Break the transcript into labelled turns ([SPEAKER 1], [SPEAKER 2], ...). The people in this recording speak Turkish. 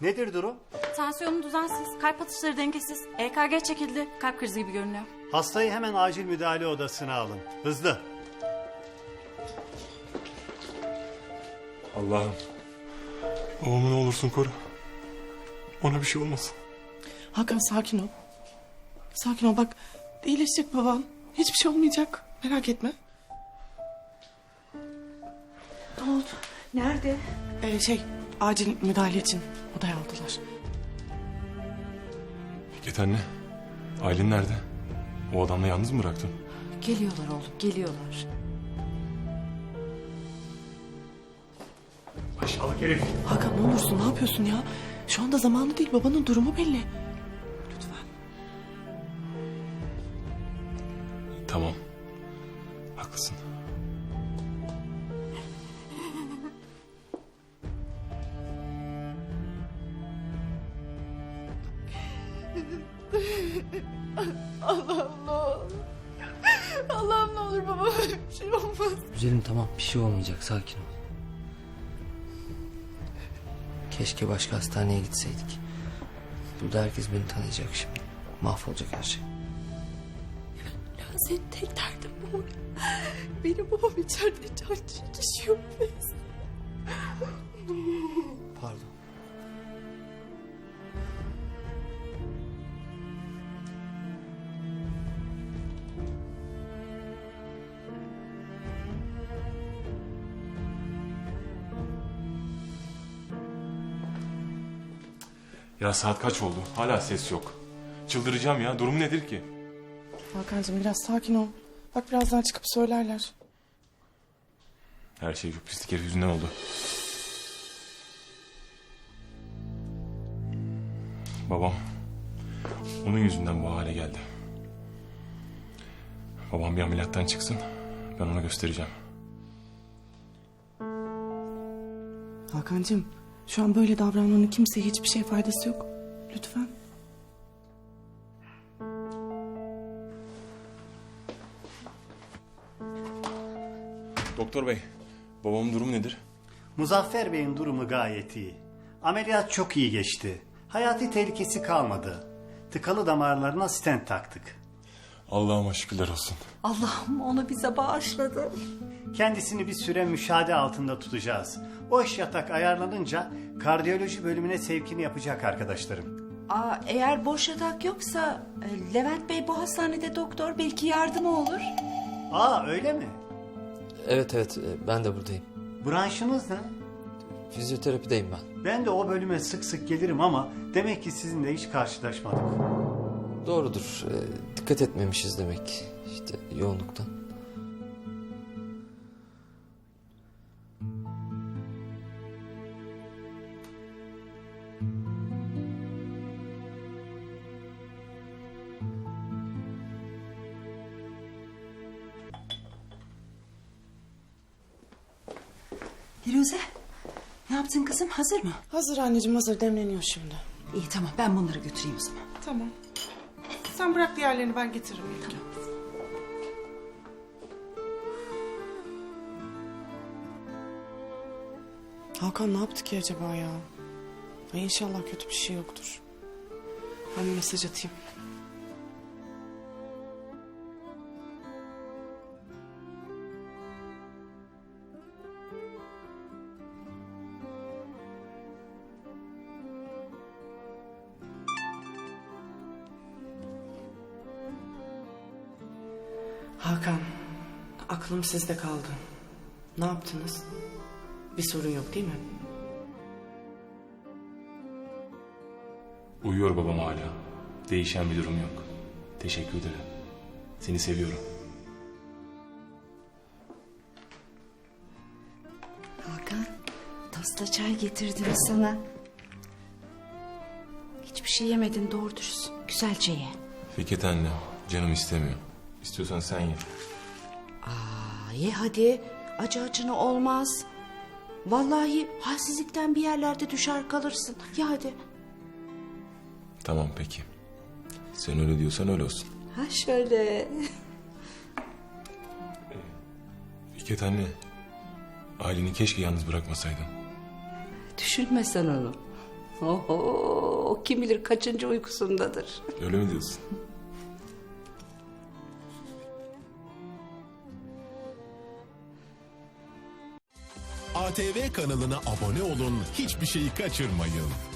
[SPEAKER 1] Nedir durum?
[SPEAKER 2] Tansiyonu düzensiz, kalp atışları dengesiz, EKG çekildi, kalp krizi gibi görünüyor.
[SPEAKER 1] Hastayı hemen acil müdahale odasına alın. Hızlı.
[SPEAKER 3] Allah'ım. Babamı ne olursun koru. Ona bir şey olmasın.
[SPEAKER 4] Hakan sakin ol. Sakin ol bak. İyileşecek baban. Hiçbir şey olmayacak. Merak etme.
[SPEAKER 5] Ne oldu? Nerede?
[SPEAKER 4] Acil müdahale için odaya aldılar.
[SPEAKER 3] Fikret anne. Aylin nerede? O adamla yalnız mı bıraktın?
[SPEAKER 5] Geliyorlar oğlum, geliyorlar.
[SPEAKER 3] Aşağılık herif.
[SPEAKER 4] Hakan ne olursun ne yapıyorsun ya? Şu anda zamanı değil, babanın durumu belli. Lütfen.
[SPEAKER 3] Tamam. Haklısın.
[SPEAKER 2] Allah'ım ne olur. Allah'ım ne olur babama bir şey olmaz.
[SPEAKER 6] Güzelim tamam, bir şey olmayacak, sakin ol. Keşke başka hastaneye gitseydik. Burada herkes beni tanıyacak şimdi. Mahvolacak her şey.
[SPEAKER 2] Ya senin tek derdin bu mu? Benim babam içeride can çekişiyor.
[SPEAKER 6] Pardon.
[SPEAKER 3] Ya saat kaç oldu? Hala ses yok. Çıldıracağım ya. Durum nedir ki?
[SPEAKER 4] Hakan'cığım biraz sakin ol. Bak birazdan çıkıp söylerler.
[SPEAKER 3] Her şey şu pislik herif yüzünden oldu. Babam. Onun yüzünden bu hale geldi. Babam bir ameliyattan çıksın. Ben ona göstereceğim.
[SPEAKER 4] Hakan'cığım şu an böyle davranmanın kimseye hiçbir şey faydası yok. Lütfen.
[SPEAKER 3] Doktor bey, babamın durumu nedir?
[SPEAKER 1] Muzaffer Bey'in durumu gayet iyi. Ameliyat çok iyi geçti. Hayati tehlikesi kalmadı. Tıkalı damarlarına stent taktık.
[SPEAKER 3] Allah'ıma şükürler olsun.
[SPEAKER 5] Allah'ım onu bize bağışladı.
[SPEAKER 1] Kendisini bir süre müşahede altında tutacağız. Boş yatak ayarlanınca kardiyoloji bölümüne sevkini yapacak arkadaşlarım.
[SPEAKER 5] Eğer boş yatak yoksa Levent Bey bu hastanede doktor, belki yardımı olur.
[SPEAKER 1] Öyle mi?
[SPEAKER 6] Evet, ben de buradayım.
[SPEAKER 1] Branşınız ne?
[SPEAKER 6] Fizyoterapideyim ben.
[SPEAKER 1] Ben de o bölüme sık sık gelirim ama demek ki sizinle hiç karşılaşmadık.
[SPEAKER 6] Doğrudur. Dikkat etmemişiz demek. İşte yoğunluktan.
[SPEAKER 5] Firuze, ne yaptın kızım? Hazır mı?
[SPEAKER 4] Hazır anneciğim, hazır, demleniyor şimdi.
[SPEAKER 5] İyi tamam, ben bunları götüreyim o zaman.
[SPEAKER 4] Tamam. Sen bırak diğerlerini, ben getiririm.
[SPEAKER 5] Tamam.
[SPEAKER 4] Hakan ne yaptı ki acaba ya? Ay inşallah kötü bir şey yoktur. Ben bir mesaj atayım. Hakan, aklım sizde kaldı. Ne yaptınız? Bir sorun yok değil mi?
[SPEAKER 3] Uyuyor babam hala. Değişen bir durum yok. Teşekkür ederim. Seni seviyorum.
[SPEAKER 5] Hakan, tosta çay getirdim sana. Hiçbir şey yemedin doğru dürüst. Güzelce ye.
[SPEAKER 3] Fikret anne, canım istemiyor. İstiyorsan sen ye.
[SPEAKER 5] Ye hadi. Acı acına olmaz. Vallahi halsizlikten bir yerlerde düşer kalırsın. Ye hadi.
[SPEAKER 3] Tamam peki. Sen öyle diyorsan öyle olsun.
[SPEAKER 5] Ha şöyle.
[SPEAKER 3] Fikret anne, aileni keşke yalnız bırakmasaydın.
[SPEAKER 5] Düşünme sen onu. Oho, kim bilir kaçıncı uykusundadır.
[SPEAKER 3] Öyle mi diyorsun?
[SPEAKER 7] ATV kanalına abone olun, hiçbir şeyi kaçırmayın.